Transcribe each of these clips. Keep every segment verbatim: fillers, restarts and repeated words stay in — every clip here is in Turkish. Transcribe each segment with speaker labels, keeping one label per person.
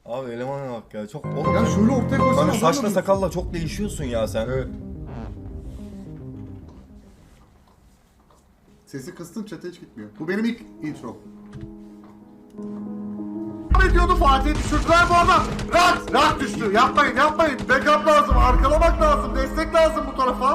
Speaker 1: Abi elemana bak ya. Çok oğlum.
Speaker 2: Ya şöyle ortaya koysana.
Speaker 1: Bana saçla sakalla çok değişiyorsun ya sen.
Speaker 2: Evet. Sesi kıstım, chat'e hiç gitmiyor. Bu benim ilk intro. Ne diyordu Fatih? Düşürdüler bu arada. Rahat! Rahat düştü. Yapmayın, yapmayın. Backup lazım, arkalamak lazım, destek lazım bu tarafa.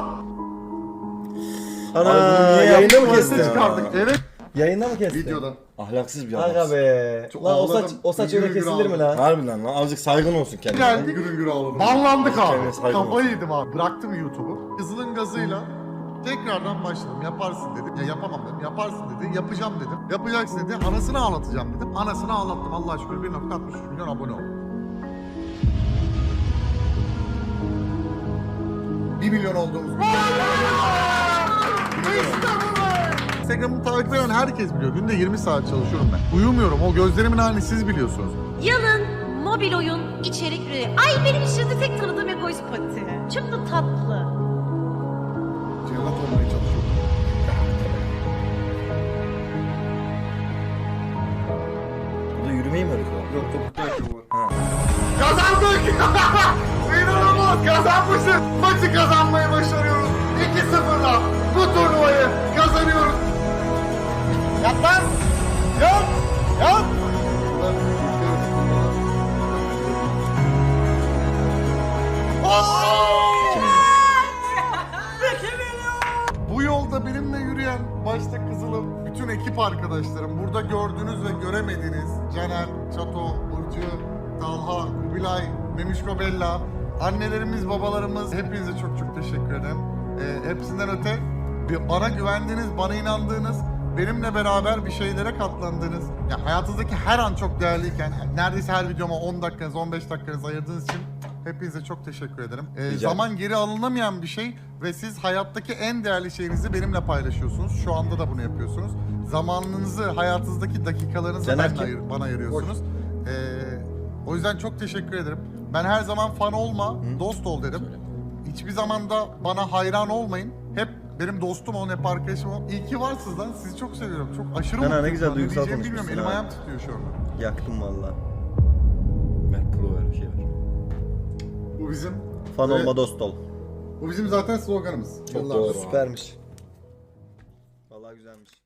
Speaker 3: Ana
Speaker 1: Abi niye
Speaker 3: yayında mı
Speaker 1: yaptın
Speaker 3: kestin?
Speaker 1: ya?
Speaker 2: Çıkardık. Evet.
Speaker 3: Yayında mı kestin?
Speaker 2: Videoda.
Speaker 1: Ahlaksız bir
Speaker 3: Aga
Speaker 1: adamsın.
Speaker 3: be.
Speaker 2: Çok
Speaker 3: Lan o
Speaker 2: ağladım.
Speaker 3: saç, o saç
Speaker 2: Hüngür
Speaker 3: öyle
Speaker 2: hüngür
Speaker 3: kesilir mi
Speaker 2: ağladım.
Speaker 3: lan?
Speaker 1: Harbiden lan azıcık saygın olsun kendine.
Speaker 2: Geldik. Hüngür hüngür ağladım. Banlandık
Speaker 1: Kendine
Speaker 2: abi.
Speaker 1: saygın
Speaker 2: Kafayı
Speaker 1: olsun.
Speaker 2: yedim abi. Bıraktım YouTube'u. Kızılın gazıyla tekrardan başladım. Yaparsın dedim. Ya yapamam dedim. Yaparsın dedi. Yapacağım dedim. Yapacaksın dedi. Anasını ağlatacağım dedim. Anasını ağlattım. Allah'a şükür bir nokta altmış üç milyon abone oldu. bir milyon olduğumuz. Instagram'ı takip eden herkes biliyor. Günde yirmi saat çalışıyorum ben. Uyumuyorum. O gözlerimin halini siz biliyorsunuz.
Speaker 4: Yalın mobil oyun içerik üretiyor. Ay benim içinde tek tanıdığım egoist pati. Çok da tatlı.
Speaker 2: Cennet olmaya çalışıyorum.
Speaker 1: Bu da yürümeyi mi öğretiyor?
Speaker 2: Yok topuklu ayakkabı var.
Speaker 1: Ha.
Speaker 2: Kazandık! İnanılmaz kazanmışız. Maçı kazanmayı başarıyoruz. iki sıfırla bu turnuvayı kazanıyoruz. Yap lan! Yap! Yap! Bu yolda benimle yürüyen başta Kızılım, bütün ekip arkadaşlarım, burada gördüğünüz ve göremediğiniz Caner, Çato, Burcu, Talha, Kubilay, Memişko Bella, annelerimiz, babalarımız, hepinize çok çok teşekkür ederim. Ee, hepsinden öte bir bana güvendiğiniz, bana inandığınız, benimle beraber bir şeylere katlandığınız, ya hayatınızdaki her an çok değerliyken, neredeyse her videoma on dakikanız, on beş dakikanız ayırdığınız için hepinize çok teşekkür ederim. Ee,
Speaker 1: Rica
Speaker 2: zaman geri alınamayan bir şey ve siz hayattaki en değerli şeyinizi benimle paylaşıyorsunuz. Şu anda da bunu yapıyorsunuz. Zamanınızı, hayatınızdaki dakikalarınızı
Speaker 3: Caner
Speaker 2: benimle
Speaker 3: kim?
Speaker 2: ayır- bana ayırıyorsunuz. Ee, o yüzden çok teşekkür ederim. Ben her zaman fan olma, dost ol dedim. Hiçbir zaman da bana hayran olmayın. Hep benim dostum olun, hep arkadaşım olun. İyi ki varsınız lan. Sizi çok seviyorum. Çok aşırı
Speaker 3: Caner, ne
Speaker 2: mutluyum.
Speaker 3: güzel
Speaker 2: şu an.
Speaker 3: duygusal
Speaker 2: diyeceğimi bilmiyorum.
Speaker 3: konuşmuşsun
Speaker 2: Elim
Speaker 3: ha.
Speaker 2: ayağım titriyor şu anda.
Speaker 3: Yaktım valla.
Speaker 1: Ver pro ver bir şey ver.
Speaker 2: Bu bizim...
Speaker 3: Fan
Speaker 2: Evet.
Speaker 3: olma dost ol.
Speaker 2: Bu bizim zaten sloganımız.
Speaker 1: Çok
Speaker 2: Yıllardır.
Speaker 1: doğru.
Speaker 3: Süpermiş. Valla güzelmiş.